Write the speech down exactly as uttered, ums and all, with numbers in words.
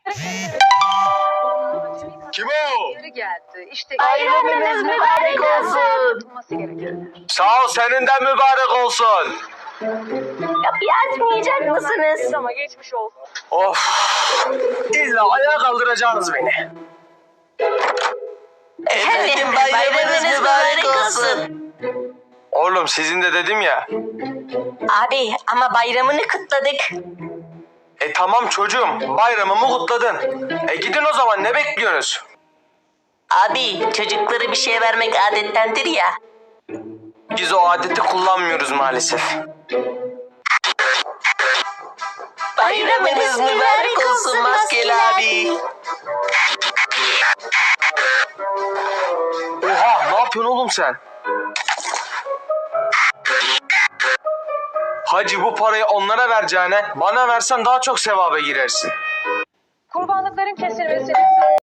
Kim o? Geri geldi. İşte Bayramınız mübarek olsun. yapılması gerekenler. Sağ ol, senin de mübarek olsun. Kapıyı açmayacak mısınız? Ama geçmiş olsun. Of. İlla ayağa kaldıracaksınız beni. Efendim bayramınız mübarek olsun. Oğlum sizin de dedim ya. Abi ama bayramını kutladık. E tamam çocuğum, bayramımı kutladın. E gidin o zaman, ne bekliyorsunuz? Abi çocuklara bir şey vermek adettendir ya. Biz o adeti kullanmıyoruz maalesef. Bayramınız mübarek olsun maskeli abi. Oha, ne yapıyorsun oğlum sen? Hacı, bu parayı onlara vereceğine bana versen daha çok sevaba girersin. Kurbanlıkların kesilmesini